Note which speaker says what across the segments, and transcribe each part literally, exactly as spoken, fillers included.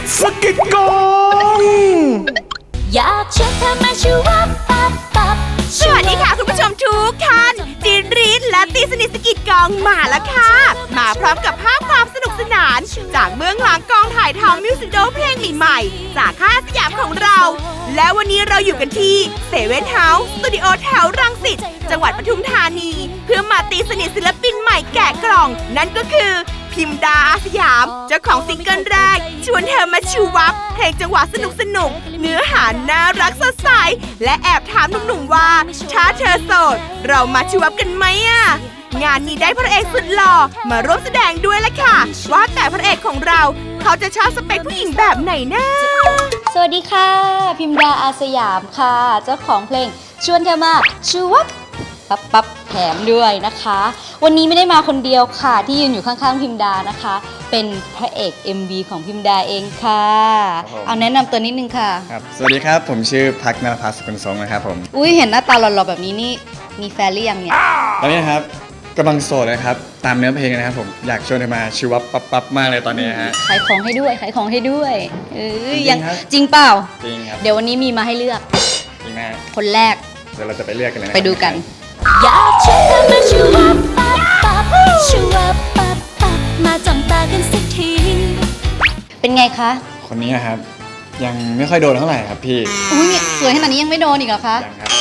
Speaker 1: สกิดกอง
Speaker 2: อยากชวนเธอมาชูวับปับปับสวัสดีค่ะคุณผู้ชมทุกท่านจีนรีดและตีสนิทสกิดกองมาแล้วค่ะมาพร้อมกับภาพความสนุกสนานจากเบื้องหลังกองถ่ายทำมิวสิควิดีโอเพลงใหม่ๆจากค่ายสยามของเราและวันนี้เราอยู่กันที่เซเว่นเฮาส์สตูดิโอแถวรังสิตจังหวัดปทุมธานีเพื่อมาตีสนิทศิลปินใหม่แกะกล่องนั่นก็คือพิมดาอาสยามเจ้าของซิงเกิลแรกชวนเธอมาชูวับเพลงจังหวะสนุกสนุกเนื้อหาน่ารักสดใสและแอบถามหนุ่มๆว่าถ้าเธอโสดเรามาชูวับกันไหมอ่ะงานนี้ได้พระเอกสุดหล่อมาร่วมแสดงด้วยละค่ะว่าแต่พระเอกของเราเขาจะชอบสเปคผู้หญิงแบบไหนนะ
Speaker 3: สวัสดีค่ะพิมดาอาสยามค่ะเจ้าของเพลงชวนเธอมาชูวับปั๊บปั๊บแถมด้วยนะคะวันนี้ไม่ได้มาคนเดียวค่ะที่ยืนอยู่ข้างๆพิมดานะคะเป็นพระเอก เอ็ม วี ของพิมดาเองค่ะเอาแนะนำตัวนิดนึงค่ะ
Speaker 4: ครับสวัสดีครับผมชื่อพักนรพัฒน์สกุลทรงนะครับผม
Speaker 3: อุ้ยเห็นหน้าตาหล่อๆแบบนี้นี่มีแฟนหรือยังเนี่ย
Speaker 4: ตอนนี้นะครับกำลังโสดนะครับตามเนื้อเพลงนะครับผมอยากชวนเธอมาชูวับปั๊บปั๊บมากเลยตอนนี้ฮะ
Speaker 3: ขายของให้ด้วยขายของให้ด้วยเออยังจริงเปล่า
Speaker 4: จริงครับ
Speaker 3: เดี๋ยววันนี้มีมาให้เลือก
Speaker 4: จริงไหม
Speaker 3: คนแรก
Speaker 4: เดี๋ยวเราจะไปเลือกกันเลย
Speaker 3: ไปดูกัน
Speaker 2: อยากชวนเธอมาชูวับปับปับชูวับปับปับมาจ้องตากันสักที
Speaker 3: เป็นไงคะ
Speaker 4: คนนี้นะครับยังไม่ค่อยโดนเท่าไหร่ครับพี่
Speaker 3: อุ้ยสวยขนาดนี้ยังไม่โดนอีกเหรอคะ
Speaker 4: ยังครับ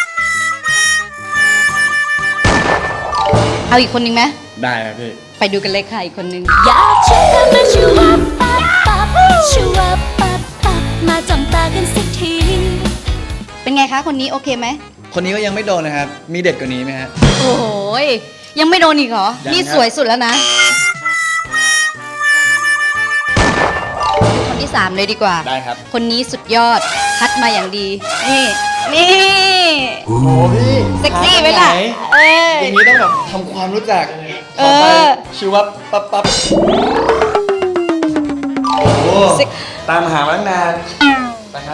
Speaker 3: เอาอีกคนนึงไหม
Speaker 4: ได้ครับพี่
Speaker 3: ไปดูกันเลยค่ะอีกคนนึง
Speaker 2: อยากชวนเธอมาชูวับปับปับชูวับปับปับมาจ้องตากันสักที
Speaker 3: เป็นไงคะคนนี้โอเคไหม
Speaker 4: คนนี้ก็ยังไม่โดนนะครับมีเด็ดกว่านี้ไหมฮะ
Speaker 3: โอ้โหยังไม่โดนอีกเหรอนี่สวยสุดแล้วนะคนที่สามเลยดีกว่า
Speaker 4: ได้ครับ
Speaker 3: คนนี้สุดยอดคัดมาอย่างดีนี่นี่
Speaker 4: โอ้พี่
Speaker 3: เซ็กซี่ไหมล่ะเออ
Speaker 4: อย่างนี้ต้องแบบทำความรู้จัก
Speaker 3: เออ
Speaker 4: ชูวับปั๊บปั๊บโอ้ตามหามาตั้งนานไปครับ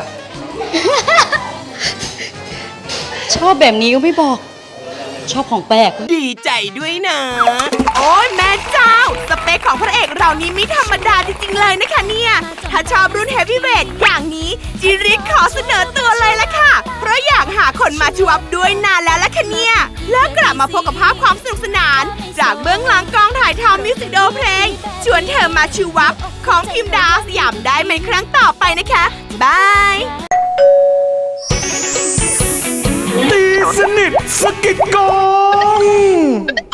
Speaker 3: ชอบแบบนี้ก็ไม่บอกชอบของแปลก
Speaker 2: ดีใจด้วยนะโอ้ยแม่เจ้าสเปคของพระเอกเรานี้ไม่ธรรมดาจริงๆเลยนะคะเนี่ยถ้าชอบรุ่นเฮฟวี่เวทอย่างนี้จิริกขอเสนอตัวเลยละค่ะเพราะอยากหาคนมาชูวับด้วยนานแล้วละค่ะเนี่ยแล้วกลับมาพบกับภาพความสนุกสนานจากเบื้องหลังกองถ่ายทำมิวสิควิดีโอเพลงชวนเธอมาชูวับของพิมดาสยามได้ในครั้งต่อไปนะคะบาย
Speaker 1: ตีสนิทสกิดกอง